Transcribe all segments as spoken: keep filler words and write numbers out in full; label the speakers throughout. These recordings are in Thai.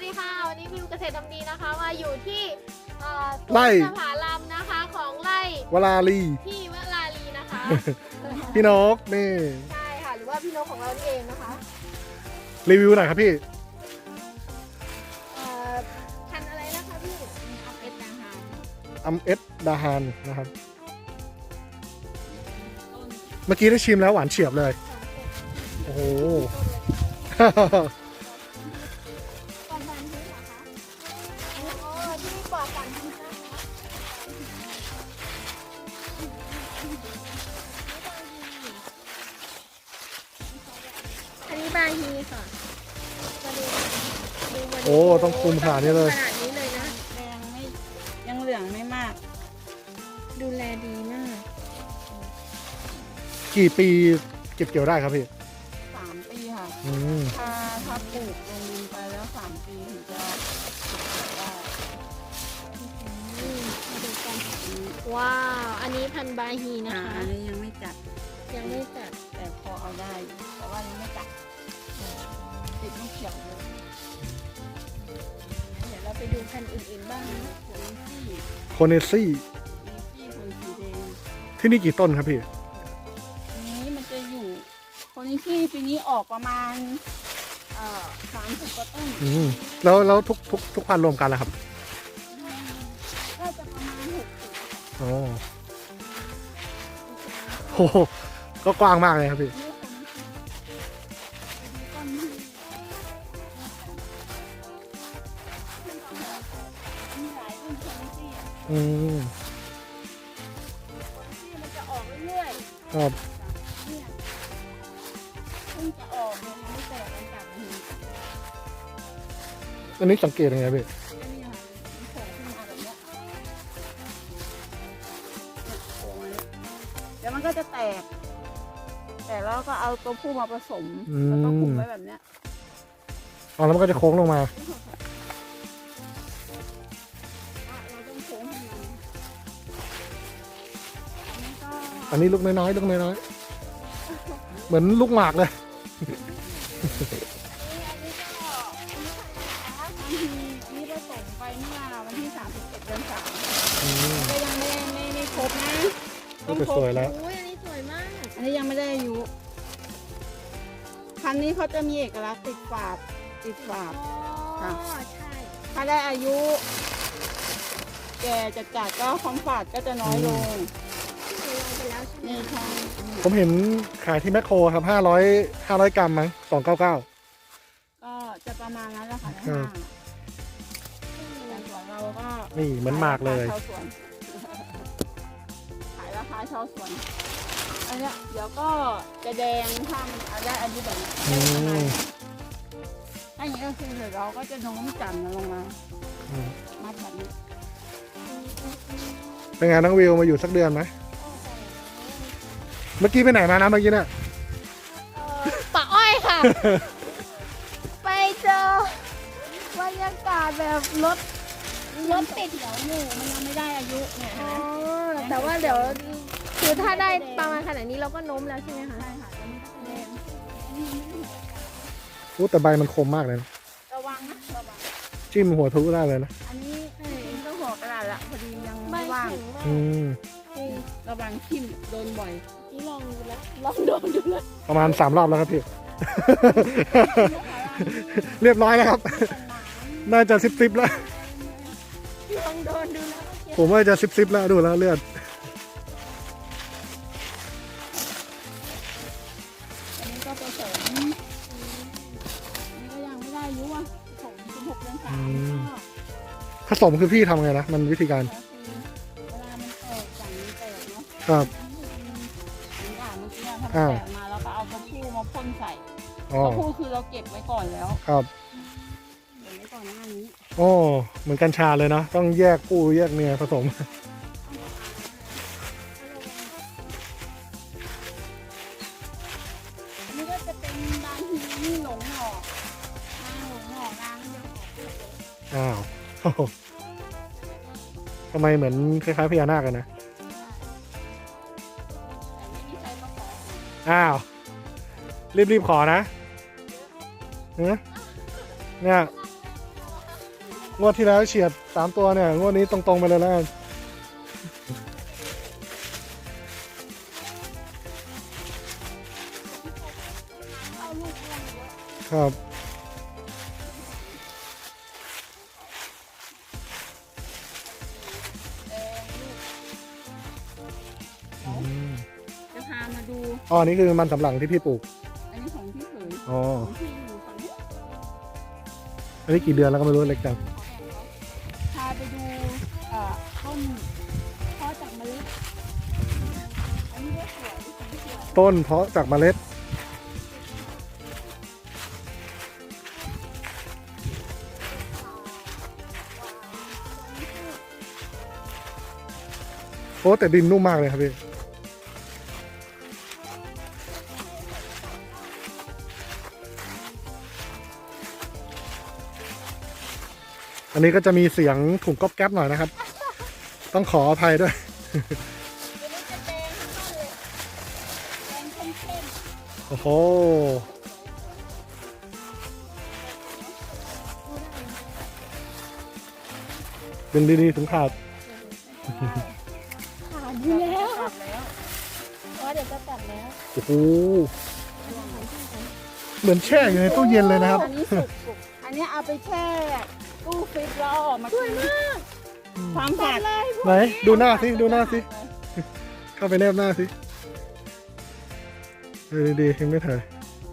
Speaker 1: ดีค่ะวันนี้วิวเกษตรทำดีนะคะมาอยู่ที่
Speaker 2: ไร่
Speaker 1: ผาลำนะคะของไร่
Speaker 2: วลาลี
Speaker 1: พี่วลาลีนะคะ
Speaker 2: พี่นกนี่
Speaker 1: ใช่ค่ะหรือว่าพี่นกของเราเองนะคะ
Speaker 2: รีวิวหน่อยครับพี่
Speaker 1: พันอะไรนะคะพี่อัมเอสดาฮาน
Speaker 2: อัมเอสดาฮานนะครับเมื่อกี้ได้ชิมแล้วหวานเฉียบเลยโอ้โห
Speaker 1: ก่อนพันธุ์เหรอคะอ๋อที่นี่ปลอดสารพิษนะคะอันนี้บาฮีค่ะมาดูดูมาดู
Speaker 2: โอ้ต้องคุมขนาดนี้เลย
Speaker 1: ขนาดนี้เลยนะ
Speaker 3: แดงไม่ยังเหลืองไม่มาก
Speaker 1: ดูแลดีมาก
Speaker 2: กี่ปีเก็บเกี่ยวได้ครับพี่
Speaker 3: สามปีค่ะ
Speaker 2: อืม
Speaker 3: ถ้าถ้าปลูกลงดินไปแล้วสามปีถึงจะเก็บได้
Speaker 1: มาดูกันว้าว อันนี้พันบาฮีนะ
Speaker 3: อ่า
Speaker 1: คะ
Speaker 3: อันนี้ยังไม่จัด
Speaker 1: ยังไม่จัด
Speaker 3: แต่พอเอาได้อยู่แต่ว่ายังไม่จัดติดลูกเขียวเลย
Speaker 1: เดี๋ยวเราไปดูพันธุ์อื่นๆบ้างนะ
Speaker 3: คนที่
Speaker 2: โคเนซี่
Speaker 3: มีที่คนสีแดง
Speaker 2: ที่นี่กี่ต้นครับพี่
Speaker 3: อันนี้มันจะอยู่ คนที่ปีนี้ออกประมาณเอ่อสามสิบกว่าต้น
Speaker 2: อืมแล้วแล้วทุกทุกทุกพันธุ์รวมกันแล้วครับ
Speaker 3: ก็จะประมาณหกสิบ
Speaker 2: อ๋อโอ้โหก็กว้างมากเลยครับพี่
Speaker 3: นี่คนที่ไปดูต้นที่มีหลายต้นคนที่อ่ะ
Speaker 2: อืม
Speaker 3: ที่มันจะออกเรื่อย
Speaker 2: ครับ
Speaker 3: ๆเนี่ยเพิ่งจะออกเลยยังไม่แตกมันจับมัน
Speaker 2: อันนี้สังเกตยังไงพี่
Speaker 3: อันนี้ค่ะมันโผล่ขึ้นมาแบบเนี้ยเนี่ยโผล่มาเนี่ยเดี๋ยวมันก็จะแตก แต่แล้วก็เอาตัวผู้มาผสม แล้วก็คุมไว้แบบเนี้ย
Speaker 2: อ๋อแล้วมันก็จะโค้งลงมา
Speaker 3: อ่ะเราต้องโค้งให้มันอันนี้ก็
Speaker 2: อันนี้ลูกน้อยๆลูกน้อยๆเหมือนลูกหมากเลย
Speaker 3: อันนี้อันนี้ผสมไปเมื่อวันที่สามสิบเอ็ดเดือนสาม
Speaker 2: อืม
Speaker 3: ก็ยังไม่ไม่ไม่ครบนะ
Speaker 2: นี่ก็สวยแล้ว
Speaker 1: อุ้ยอันนี้สวยมาก
Speaker 3: อันนี้ยังไม่ได้อายุพันธุ์นี้เขาจะมีเอกลักษณ์ติดฝาบติดฝาบ
Speaker 1: อ๋อ
Speaker 3: ค่ะ
Speaker 1: ใช่
Speaker 3: ถ้าได้อายุ แก่จัดจัดๆก็ความฝาดก็จะน้อยลง
Speaker 1: เคยลองไปแล้วใช่ไหม
Speaker 3: นี่ใช่
Speaker 2: ผมเห็นขายที่แมคโครครับห้าร้อยห้าร้อยกรัมมั้งสองเก้าเก้า
Speaker 3: ก็จะประมาณนั้นแหละค่ะใน
Speaker 2: ครั
Speaker 3: ห้า
Speaker 2: บ
Speaker 3: งแต่ส่วนเราก็
Speaker 2: นี่เหมือนหมากเลย
Speaker 3: ขชาวสวนขายราคาชาวสวนอันเนี้ยเดี๋ยวก็จะแดงถ้ามันเอาได้อายุแบบนี้
Speaker 2: อืม
Speaker 3: ถ้าอย่างนี้ก็คือเดี๋ยวเราก็จะโน้มจันทร์ลงมา
Speaker 2: อืม
Speaker 3: มัดแบบนี้
Speaker 2: เป็นไงน้องวิวมาอยู่สักเดือนไหมเมื่อกี้ไปไหนมานะเมื่อกี้เนี่ย
Speaker 1: เอ่อป่าอ้อยค่ะ ไปเจอบรรยากาศแบบรถรถติด
Speaker 3: เดี๋ยวหนูมันยังไม่ได้อายุเนี่ย
Speaker 1: อ๋
Speaker 3: เห็นไหม
Speaker 1: อแต่ว่าเดี๋ยวคือถ้าได้ประมาณขนาดนี้เราก็โน้มแล้วใช่ไหมคะ
Speaker 3: ใช่ค่ะแล้วมันก็จะแดง
Speaker 2: โอ้แต่ใบมันคมมากเลยนะ
Speaker 3: ระวังนะระวัง
Speaker 2: จิ้มหัวทุได้เลยนะ
Speaker 3: อันนี้ก็หัวกระดาษละพอดียัง
Speaker 1: ใบ
Speaker 3: ไม่ว่าง
Speaker 1: แข็งมาก
Speaker 2: อืม
Speaker 1: จริง
Speaker 3: ระวังทิ่มโดนบ่อย
Speaker 1: นี่ลองดูแล้วลองโดนดูแล้ว
Speaker 2: ประมาณสามรอบแล้วครับพี่ เรียบร้อยแล้วครับ น่าจะซิบซิบแล้ว
Speaker 1: ลองโดนดูแล้วเมื่อกี้
Speaker 2: ผมว่าจะซิบซิบแล้วดูแล้วเลือด
Speaker 3: อันนี้ก็ผสมอันนี้ก็ยังไม่ได้อายุอ่ะผสมสิบหกเดือนสามก็
Speaker 2: ผสมคือพี่ทำไงนะ มันวิธีการ
Speaker 3: ก็คือเวลามันแตกอย่างนี้แตกเนาะ
Speaker 2: ครับ
Speaker 3: อย่างอ่านเมื่อกี้ถ้ามัน
Speaker 2: อ่า
Speaker 3: แตกมาเราก็เอาตัวผู้มาพ่นใส่
Speaker 2: อ๋อ
Speaker 3: ตัวผู้คือเราเก็บไว้ก่อนแล้ว
Speaker 2: ครับ
Speaker 3: เก็บไว้ก่อนหน้านี้
Speaker 2: โอ้เหมือนกัญชาเลยเนาะต้องแยกผู้แยกเมียผสม
Speaker 3: อันนี้ก็จะเป็นบางทีนี่หลงหน่อนางหลงหน่อนางยังออกลูกเลย
Speaker 2: อ้าว โอ้โหทำไมเหมือนคล้ายๆพญานาคกันนะ
Speaker 3: แต่ไม่มีใครมาขอ
Speaker 2: อ้าว รีบๆขอนะเนอะเนี่ยงวดที่แล้วเฉียดสามตัวเนี่ยงวดนี้ตรงๆไปเลยแล้วกัน
Speaker 3: เอาลูกเลี้ยงเยอะ
Speaker 2: ครับ
Speaker 3: แดงลูก
Speaker 2: อืม
Speaker 3: จะพามาดู
Speaker 2: อ๋ออันนี่คือมันสำปะหลังที่พี่ปลูก
Speaker 3: อันนี้ของพี่เขย
Speaker 2: อ๋อ
Speaker 3: ของพี่อยู่ฝั่งนี้
Speaker 2: อันนี้กี่เดือนแล้วก็ไม่รู้เล็กจัง
Speaker 3: พาไปดูเอ่อต้นเพาะจากเมล็ดอันนี้ก็สวยสีสวย
Speaker 2: ต้นเพาะจากเมล็ดโอ้แต่ดินนุ่มมากเลยครับพี่อันนี้ก็จะมีเสียงถุงก๊อบแก๊บหน่อยนะครับ ต้องขออภัยด้วย
Speaker 3: ตัวนี้จะแดงทั้งต้นเลยแดงเข้ม
Speaker 2: โอ้โห ดึงดีๆถึงขาด
Speaker 1: ขาดอ
Speaker 3: ๆ
Speaker 1: ยู่แล้ว
Speaker 3: ตัดแล้ว
Speaker 1: เพราะเดี๋ยวจะตัดแล้ว
Speaker 2: โอ้โห เหมือนแช่อยู่ในตู้เย็นเลยนะครับ
Speaker 3: อันนี้สุกสุกอันนี้เอาไปแช่ตู้ฟรีซแล้วเอาออกมากินความฝาด
Speaker 2: ไหน ดูหน้าสิ ดูหน้าสิ เข้าไปแนบหน้าสิเออดีๆยังไม่ถ่าย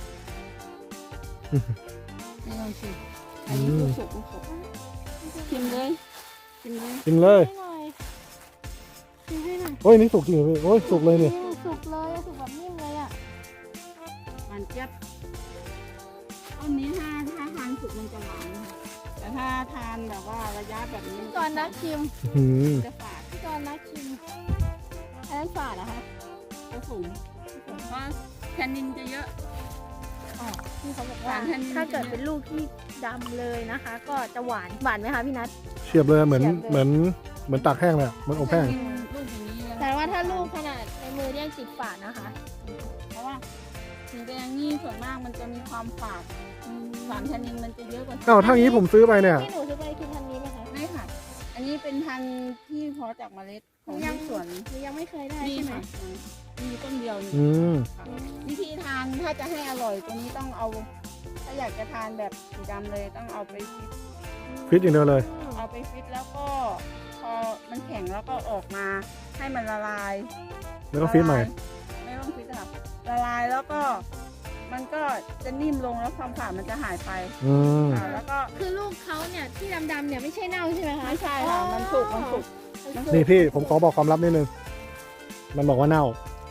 Speaker 3: นี่ลองชิมอันนี้ลูกสุกลูกสุกชิมเลยชิมเลย
Speaker 2: กินเลย
Speaker 1: ให้หน่อยชิมให้หน่อย
Speaker 2: โอ้ยนี่สุกจริงเหรอพี่โอ้ยสุกเลยเนี่ย
Speaker 1: อืมสุกเลยสุกแบบนิ่มเลยอ่ะ
Speaker 3: หวานเจี๊ยบต้นนี้ถ้าถ้าทานสุกมันจะหวานค่ะแต่ถ้าทานแบบว่าระยะแบบนี้
Speaker 1: ก่อนนักชิม
Speaker 2: หืม
Speaker 3: จะฝาด
Speaker 1: พี่กรณ์นักชิมอันนั้นฝาดเหรอคะ
Speaker 3: จะสูงสูงเพราะแทนนินจะเยอะ
Speaker 1: อ๋อพี่เขาบอก
Speaker 3: หวา
Speaker 1: ว่าน
Speaker 3: แทนนิด
Speaker 1: ถ้าเกิดเป็นลูกที่ดำเลยนะคะ ก็จะหวานหวานไหมคะพี่นัท
Speaker 2: เฉียบเลยเหมือน
Speaker 1: เฉียบเลย
Speaker 2: เหมือนเหมือนตากแห้งเลยอะเหมือนอบแห้ง
Speaker 3: กินลูกอย่างนี้เลย
Speaker 1: แต่ว่าถ้าลูกขนาดในมือเนี่ยยังติดฝาดนะคะ
Speaker 3: เพราะว่าสีแดงนี่ส่วนมากมันจะมีความฝาดสารแทนนินมันจะเยอะกว่า
Speaker 2: อ้าวถ้างี้ผมซื้อไปเนี่ย
Speaker 1: ที่หนูซื้อไปคือพันธุ์นี้ไหมคะ
Speaker 3: ไม่ค่ะ อันนี้เป็นพันธุ์ที่เพาะจากเมล็ดของ
Speaker 1: ยั
Speaker 3: ที่
Speaker 1: ง
Speaker 3: สวน
Speaker 1: หนูยังไม่เคยได้
Speaker 3: นี่
Speaker 1: ใช่ไหม
Speaker 3: ค่ะมีต้นเดียวนี่
Speaker 2: อืม
Speaker 3: ค่ะวิธีทานถ้าจะให้อร่อยตัวนี้ต้องเอา ถ้าอยากจะทานแบบสีดำเลยต้องเอาไปฟิต
Speaker 2: ฟิตอย่างเดียวเลย
Speaker 3: เอาไปฟิตแล้วก็พอมันแข็งแล้วก็ออกมาให้มันละลาย
Speaker 2: แล้วก็ฟิตใหม่
Speaker 3: ละลายไม่ต้องฟิตค่ะละลายแล้วก็มันก็จะนิ่มลงแล้วความฝาดมันจะหายไป
Speaker 2: อืม
Speaker 3: ค่ะแล้วก็
Speaker 1: คือลูกเขาเนี่ยที่ดำๆเนี่ยไม่ใช่เน่าใช่ไหมคะ
Speaker 3: ไม่ใช่ค่ะมันสุกมันสุก
Speaker 1: มันสุก
Speaker 2: นี่พี่ผมขอบอกความลับนิดนึง มันบอกว่าเน่า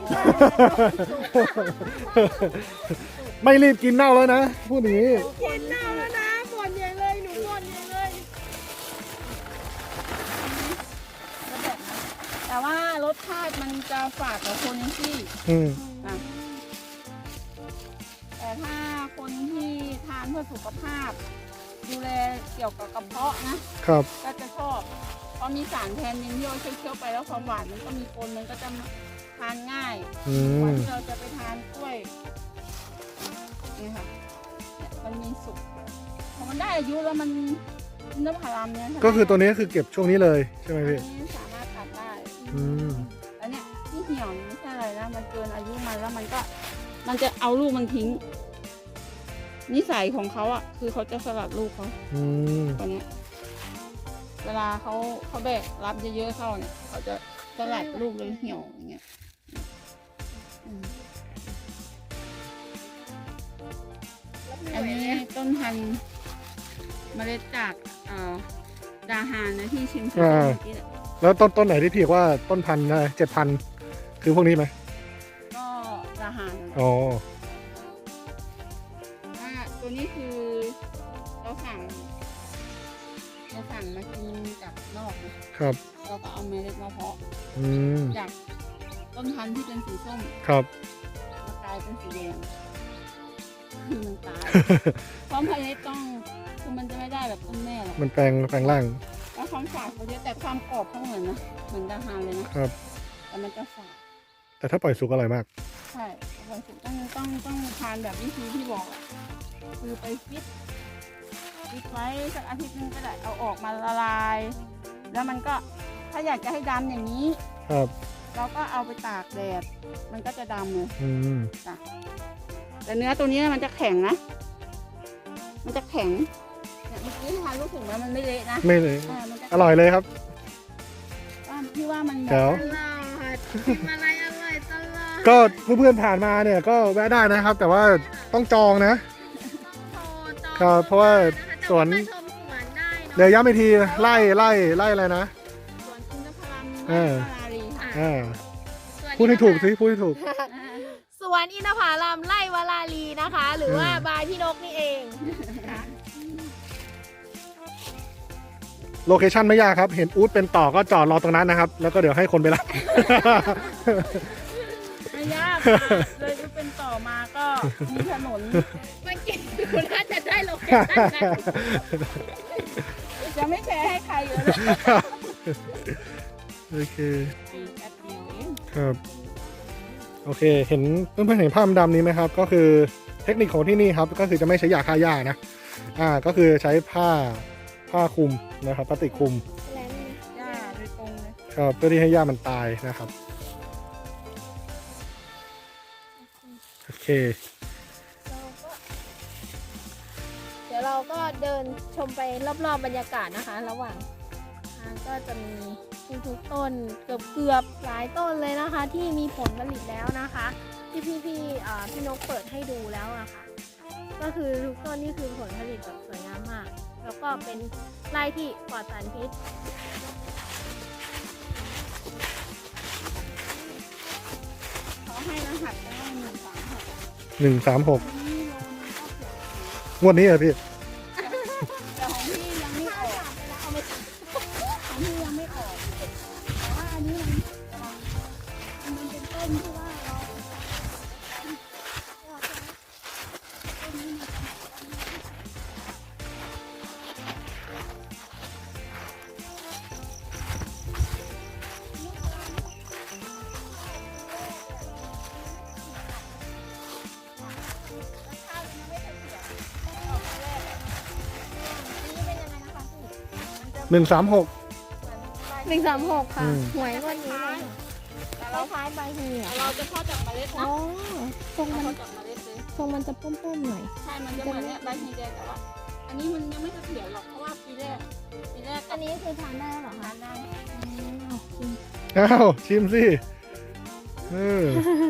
Speaker 2: ไม่รีบกินเน่าแล้วนะ พูดอย่างนี้
Speaker 1: กินเน่าแล้วนะบ่นใหญ่เลยหนูบ่นใหญ่เลย
Speaker 3: แล้วแบบนั้นแต่ว่ารสชาติมันจะฝาดกว่าโคเนนซี่
Speaker 2: อืม
Speaker 3: อ่ะแต่ถ้าคนที่ทานเพื่อสุขภาพ ดูแลเกี่ยวกับกระเพาะนะ
Speaker 2: ครับ
Speaker 3: ก็จะชอบเพราะมีสารแทนนินที่เราเคี้ยวๆไปแล้วความหวานมันก็มีปนมันก็จะทานง่าย
Speaker 2: อื
Speaker 3: กว่าม ที่เราจะไปทานกล้วยนี่ค่ะเนี่ยมันมีสุกพอมันได้อายุแล้วมันเนื้อผารามเนี่ย
Speaker 2: ก็คือตัวนี้คือเก็บช่วงนี้เลยใช่ไหม
Speaker 3: อัน
Speaker 2: พี่
Speaker 3: นี้สามารถตัดได้
Speaker 2: อืม
Speaker 3: แล้วเนี่ยที่เหี่ยวนี่ไม่ใช่อะไรนะมันเกินอายุมันแล้วมันก็ มันจะเอาลูกมันทิ้ง นิสัยของเขาอ่ะคือเขาจะสลัดลูกเขา
Speaker 2: อืม
Speaker 3: ตัวเนี้ยเวลาเขาเขาแบกรับเยอะๆเข้าเนี่ยเขาจะสลัดลูกเลยเหี่ยวอย่างเงี้ยอืมอันนี้ต้นพันธุ์เมล็ดจากเอ่อดาฮานนะที่ชิมคือต้นเมื่อกี้แหละ
Speaker 2: แล้วต้นต้นไหนที่พี่บอกว่าต้นพันธุ์เจ็ดพันคือพวกนี้ไหม
Speaker 3: ก็ดาฮานนั่นแหละ
Speaker 2: อ๋อ
Speaker 3: อ่าตัวนี้คือเราสั่งเราสั่งมากินจากนอกนะครับ เราก็เอาเมล็ดมาเพาะ
Speaker 2: อืม
Speaker 3: จากต้นพันธุ์ที่เป็นสีส้ม
Speaker 2: ครับ
Speaker 3: มากลายเป็นสีแดงคือมันตาย พร้อมเมล็ดต้องคือมันจะไม่ได้แบบต้นแม่หรอก
Speaker 2: มันแปลงแปลงร่าง
Speaker 3: แล้วความฝาดเขาเยอะแต่ความกรอบเขาเหมือนนะเหมือนดาฮานเลยนะครับ แต่มันจะฝาด
Speaker 2: แต่ถ้าปล่อยสุกอร่อยมาก
Speaker 3: ใช่วันศุกร์ต้องต้องต้องทานแบบวิธีที่บอกอะคือไปฟิตปิดไว้สักอาทิตย์นึงก็ได้เอาออกมาละลาย แล้วมันก็ถ้าอยากจะให้ดำอย่างนี้
Speaker 2: ครับ
Speaker 3: เราก็เอาไปตากแดดมันก็จะดำเลย
Speaker 2: อืม
Speaker 3: จ้ะแต่เนื้อตัวนี้มันจะแข็งนะ มันจะแข็งเนี่ยเมื่อกี้ทานลูกถุงแล้วมันไม่เละนะ
Speaker 2: ไม่เลย
Speaker 3: เออมันจะ
Speaker 2: อร่อยเลยครับ
Speaker 3: ว่าพี่ว่ามัน
Speaker 2: แจ๋ว
Speaker 1: ตลอดกินอะไรอร่อยตลอด
Speaker 2: ก็เพื่อนๆผ่านมาเนี่ยก็แวะได้นะครับ แต่ว่าต้องจองนะ
Speaker 1: ต้องโทรจอง
Speaker 2: ครับเพราะว่าสวน
Speaker 1: แต่ามาชมสวนได้เนาะ
Speaker 2: เดี๋ยวย้ำอีกทีไล่ไล่ไล่อะไรนะ
Speaker 3: สวนอินทผลัม
Speaker 2: เออ
Speaker 3: วารีค่ะ
Speaker 2: อ่า
Speaker 1: สวน
Speaker 2: พูดให้ถูกสิพูดให้ถูก
Speaker 1: สวนอินทผลัมไร่วาลาลีนะคะ หรือว่าบายพี่นกนี่เอง
Speaker 2: โลเคชั่นไม่ยากครับ เห็นอู๊ดเป็นต่อก็จอดรอตรงนั้นนะครับ แล้วก็เดี๋ยวให้คนไปรับ
Speaker 3: ไม่ยากค่ะเลยจะเป็นต่อมาก็มีถนน
Speaker 1: เมื่อกี้คุณน่าจะได้โลเคชั่นนะ
Speaker 3: จะไม่แชร์ให้ใครเลย
Speaker 2: โอเค
Speaker 3: แป๊บเดียวเอง
Speaker 2: ครับ โอเค เห็นเพื่อนๆเห็นภาพดำนี้ไหมครับ ก็คือเทคนิคของที่นี่ครับ ก็คือจะไม่ใช้ยาฆ่าหญ้านะ อ่า ก็คือใช้ผ้าผ้าคลุมนะครับพลาสติกคลุม
Speaker 3: หญ้าโดยตรงเลย
Speaker 2: ครับเพื่อที่ให้หญ้ามันตายนะครับ โอเค
Speaker 1: เดี๋ยวเราก็เดินชมไปรอบๆบรรยากาศนะคะ ระหว่างทางก็จะมีทุกๆต้นเกือบเกือบๆหลายต้นเลยนะคะ ที่มีผลผลิตแล้วนะคะ ที่พี่พี่ๆอ่าพี่นกเปิดให้ดูแล้วอะค่ะ ก็คือทุกต้นนี่คือผลผลิตแบบสวยงามมาก แล้วก็เป็นไร่ที่ปลอดสารพิษ
Speaker 3: เขาให้รหัสไปให้หนึ่งสามหก
Speaker 2: หนึ่งสามหก
Speaker 3: นี่โลนึงก็เกือบ
Speaker 2: งวดนี้เหรอพี่
Speaker 3: แต่ของพี่ยังไม่ออกของพี่ยังไม่ออกแต่ว่าอันนี้มันมันเป็นต้นที่ว่าเราต้นนี้มัน
Speaker 2: หนึ่งสามหก
Speaker 1: หนึ่งสามหกค่ะ
Speaker 2: อืม
Speaker 1: หวยงวันนี้เลย
Speaker 3: แต่
Speaker 1: ค
Speaker 3: เรา
Speaker 1: ล้ายๆใบเหี่ย
Speaker 3: เราจะทอดจากเมล็ด
Speaker 1: อ๋
Speaker 3: นะ
Speaker 1: อทรง
Speaker 3: เรา
Speaker 1: มัน
Speaker 3: ทอดจากเมล็ดเลย
Speaker 1: ทรงมันจะป้มๆหน่อย
Speaker 3: ใช่ มันจะเหมือนเนี้ยใบฮีแดงแต่ว่า อันนี้มันยังไม่เสถียรหรอกเพราะว่าปีแรกปีแรก
Speaker 1: อันนี้คือทานได้แล้วเหรอคะ
Speaker 3: ทานได้
Speaker 1: อืมจริง
Speaker 2: อ้าวชิมสิเออ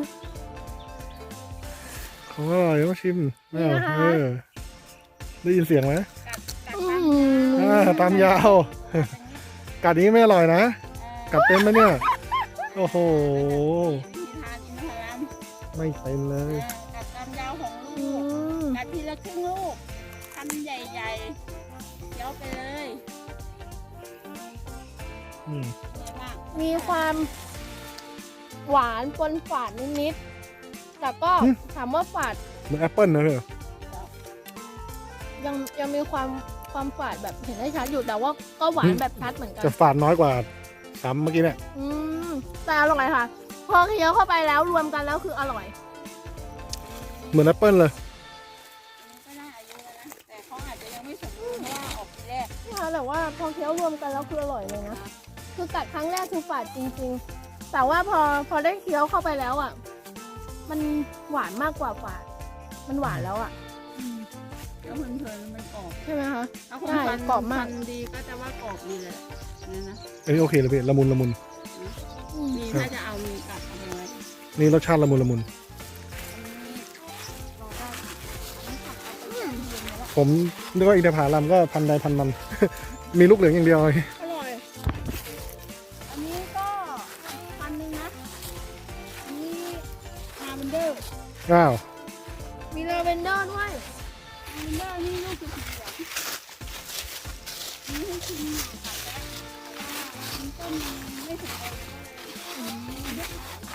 Speaker 2: ของอร่อยต้องชิมอ้าวเออได้ยินเสียงไหม
Speaker 3: กัดกัด
Speaker 1: อื
Speaker 3: ตาม
Speaker 2: อ่าตามยาว กัดนี้ไม่อร่อยนะ กัดเป็นไหมเนี่ย โอ้โห
Speaker 3: วิธีทานอินทผลัม
Speaker 2: ไม่เป็นเลย
Speaker 3: กัดตามยาวของ
Speaker 1: อื
Speaker 3: ลูก
Speaker 1: ม
Speaker 3: กัดทีละครึ่งลูกทำใหญ่ๆเคี้ยวไปเลย
Speaker 2: อืม
Speaker 3: เยอะมาก
Speaker 1: มีความหวานปนฝาดนิดๆ แต่ก็ถามว่าฝาด
Speaker 2: เหมือนแอปเปิลนะเธอ
Speaker 1: ยังยังมีความความฝาดแบบเห็นได้ชัดอยู่แต่ว่าก็หวานแบบชัดเหมือนกัน
Speaker 2: จะฝาดน้อยกว่าสามเมื่อกี้เนี่ย
Speaker 1: อืมแต่อร่อยค่ะ พอเคี้ยวเข้าไปแล้วรวมกันแล้วคืออร่อย
Speaker 2: เหมือนแอปเปิลเลย
Speaker 3: ก็น่าอายุแล้วนะ แต่เขาอาจจะยังไม่สมบูรณ์เพราะว่าออกปีแรก
Speaker 1: นี่ค่ะแต่ว่าพอเคี้ยวรวมกันแล้วคืออร่อยเลยนะ คือกัดครั้งแรกคือฝาดจริงๆ แต่ว่าพอพอได้เคี้ยวเข้าไปแล้วอ่ะ มันหวานมากกว่าฝาด มันหวานแล้วอ่ะ
Speaker 3: แล้วเพลินๆมันกรอบ
Speaker 1: ใช่ไหมคะ
Speaker 3: ถ้าคน
Speaker 1: ใช่
Speaker 3: ฟัน
Speaker 1: กรอบมาก
Speaker 3: ฟันดีก็จะว่ากรอบดีเลยนี่นะ
Speaker 2: อันนี้โอเคเลยพี่ละมุนละมุน
Speaker 1: อืม
Speaker 3: มีน่าจะเอามีกัดเอาไปไว้
Speaker 2: นี่รสชาติละมุนละมุน
Speaker 3: อันนี้เราได้อันนี้กัดเอาไปแช่ตู้เย็นไว้แล้ว
Speaker 2: ผมนึกว่าอินทผลัมก็พันใดพันมัน มีลูกเหลืองอย่างเดียวเลย
Speaker 1: อร่อย
Speaker 3: อันนี้ก็พันหนึ่งนะ อันนี้ลาเวนเดอร์
Speaker 2: อ้าว
Speaker 1: มีลาเวนเดอร์ด้วย
Speaker 3: ลาเวนเดอร์นี่ลูกสีเหลืองนี่ให้ชิมหน่อยค่ะแต่ว่ามันต้นมันไม่ถึงเลยก็เลยอันนี้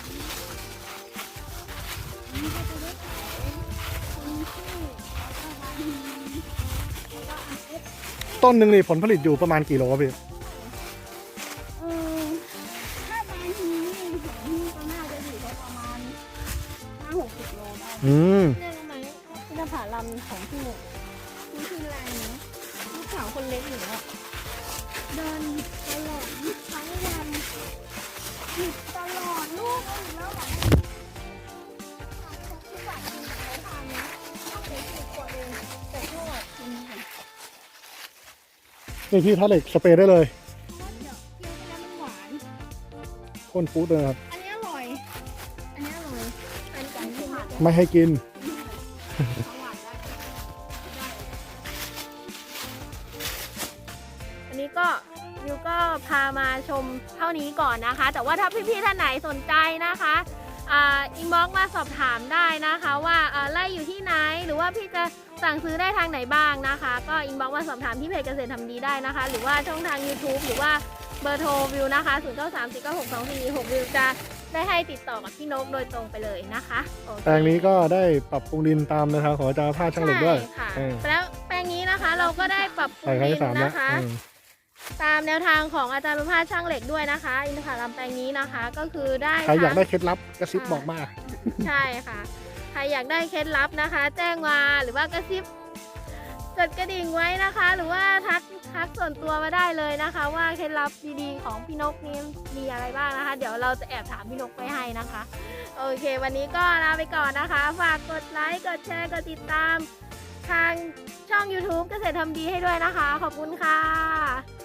Speaker 3: ก็จะได้ขายคนที่แล้วก็บางทีแล้วก็อันเอฟ
Speaker 2: ต้นหนึ่งนี่ผลผลิตอยู่ประมาณกี่โลครับพี่
Speaker 3: เออถ้าบางทีนี่เห็นที่ก็น่าจะอยู่ประมาณห้าหกสิบโลได้
Speaker 2: อืม
Speaker 1: เนี่ยรู้ไหมอินทผลัมของพี่เนี่ยนี่คืออะไรนะสาวคนเล็กหนูอะเดินหยิบตลอดหยิบทั้งวันหยิบตลอดลูกเอาอีกแล้วเหรอที่ฝากกินไม่ทานนะต้องเด็กสิบขวดเองแต่โทษกินค่ะ
Speaker 2: นี่พี่ท่าเหล็กสเปรย์ได้เลย
Speaker 1: เพราะว่าเดี๋ยวเคี้ยวไปแล้วมันหวาน
Speaker 2: พ่นปุ๊ดเลยครับ
Speaker 1: อันนี้อร่อย อันนี้อร่อย อันนี้ที่ผ่าน
Speaker 2: ไม่ให้กิน
Speaker 1: อันนี้ก็ยูก็พามาชมเท่านี้ก่อนนะคะ แต่ว่าถ้าพี่ๆท่านไหนสนใจนะคะอ่าอินบ็อกซ์มาสอบถามได้นะคะ ว่าอ่าไล่อยู่ที่ไหนหรือว่าพี่จะสั่งซื้อได้ทางไหนบ้างนะคะ ก็อินบ็อกซ์มาสอบถามที่เพจเกษตรทำดีได้นะคะ หรือว่าช่องทาง YouTube หรือว่าเบอร์โทรวิวนะคะศูนย์ เก้า สาม สี่ เก้า หก สอง สี่ หกวิวจะได้ให้ติดต่อกับพี่นกโดยตรงไปเลยนะคะโอเค
Speaker 2: แปลงนี้ก็ได้ปรับปรุงดินตามแนวทางของอาจารย์ภาคช่างเหล็กด้วย
Speaker 1: ใช่ค่ะ
Speaker 2: เออ
Speaker 1: แล้วแปลงนี้นะคะเราก็ได้ปรับปรุ
Speaker 2: ใส่
Speaker 1: ง
Speaker 2: ครั้ง
Speaker 1: ดิ
Speaker 2: ที่สาม
Speaker 1: น
Speaker 2: แล้ว
Speaker 1: นะคะ
Speaker 2: อืม
Speaker 1: ตามแนวทางของอาจารย์ประภาสช่างเหล็กด้วยนะคะ อินทผลัมแปลงนี้นะคะ ก็คือได้
Speaker 2: ใครอยากได้
Speaker 1: ทั้ง
Speaker 2: เคล็ดลับกระซิบบอกมา
Speaker 1: ใช่ค่ะ ใครอยากได้เคล็ดลับนะคะ แจ้งมาหรือว่ากระซิบกดกระดิ่งไว้นะคะ หรือว่าทักทักส่วนตัวมาได้เลยนะคะ ว่าเคล็ดลับดีๆของพี่นกนี้มีอะไรบ้างนะคะ เดี๋ยวเราจะแอบถามพี่นกไปให้นะคะ โอเค วันนี้ก็ลาไปก่อนนะคะ ฝากกดไลค์กดแชร์กดติดตามทางช่อง YouTube เกษตรทำดีให้ด้วยนะคะ ขอบคุณค่ะ